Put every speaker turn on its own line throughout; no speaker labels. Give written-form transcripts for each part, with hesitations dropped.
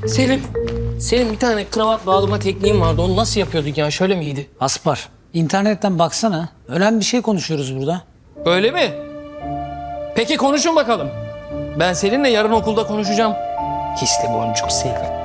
Senin bir tane kravat bağlama tekniğin vardı. Onu nasıl yapıyorduk ya? Şöyle miydi?
Aspar, internetten baksana. Önemli bir şey konuşuyoruz burada.
Öyle mi? Peki konuşun bakalım. Ben seninle yarın okulda konuşacağım. Hisli boncuk Selin.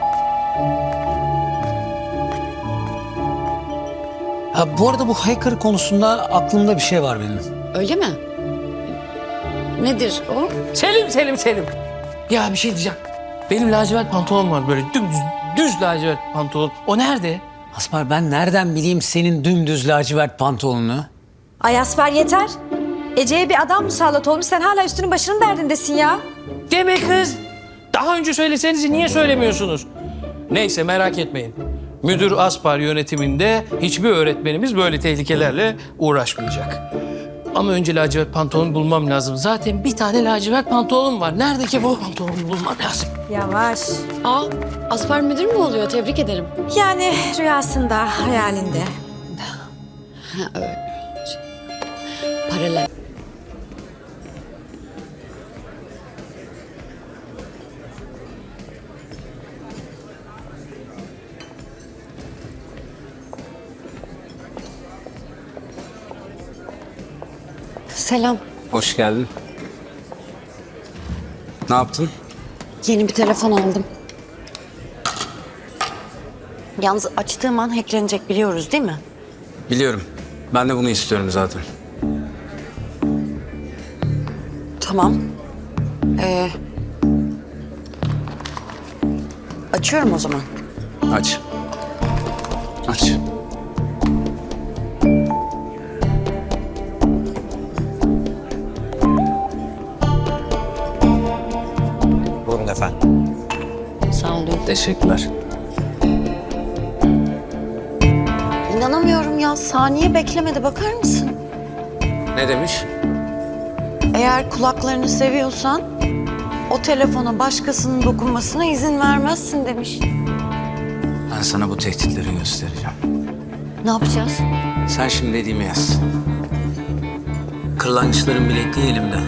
Ha, bu arada bu hacker konusunda aklımda bir şey var benim.
Öyle mi? Nedir o?
Selim. Ya bir şey diyeceğim. Benim lacivert pantolon var böyle düz lacivert pantolon. O nerede?
Aspar, ben nereden bileyim senin dümdüz lacivert pantolonunu?
Ay Asfer yeter. Ece'ye bir adam musallat olmuş. Sen hala üstünün başının derdindesin ya.
Deme kız. Daha önce söyleseniz niye söylemiyorsunuz? Neyse merak etmeyin. Müdür Aspar yönetiminde hiçbir öğretmenimiz böyle tehlikelerle uğraşmayacak. Ama önce lacivert pantolon bulmam lazım. Zaten bir tane lacivert pantolonum var. Nerede ki bu pantolonu bulmam lazım.
Yavaş.
Aa, Aspar müdür mü oluyor? Tebrik ederim.
Yani rüyasında, hayalinde.
Ha, öyle. Paralel. Selam.
Hoş geldin. Ne yaptın?
Yeni bir telefon aldım. Yalnız açtığım an hacklenecek biliyoruz değil mi?
Biliyorum. Ben de bunu istiyorum zaten.
Tamam. Açıyorum o zaman.
Aç. Aç.
Buyurun efendim.
Sağ olun.
Teşekkürler.
İnanamıyorum ya. Saniye beklemedi. Bakar mısın?
Ne demiş?
Eğer kulaklarını seviyorsan o telefona başkasının dokunmasına izin vermezsin demiş.
Ben sana bu tehditleri göstereceğim.
Ne yapacağız?
Sen şimdi dediğimi yaz. Kırlangıçların bilekliği elimde.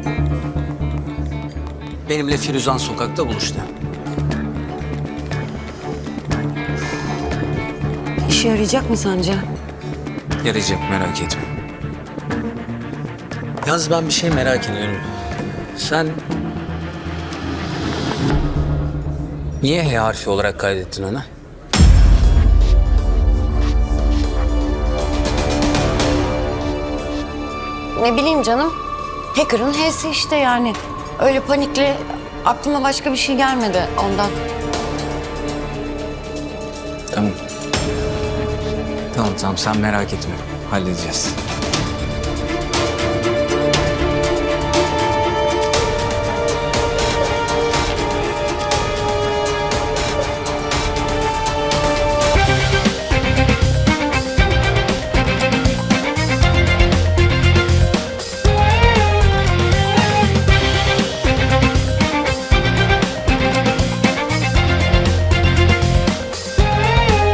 Benimle Firuzan sokakta buluştu.
İşe yarayacak mı sence?
Yarayacak, merak etme.
Yalnız ben bir şey merak ediyorum.
Sen niye H harfi olarak kaydettin ona?
Ne bileyim canım. Hacker'ın H'si işte yani. Öyle panikle aklıma başka bir şey gelmedi ondan.
Tamam. Tamam sen merak etme. Halledeceğiz.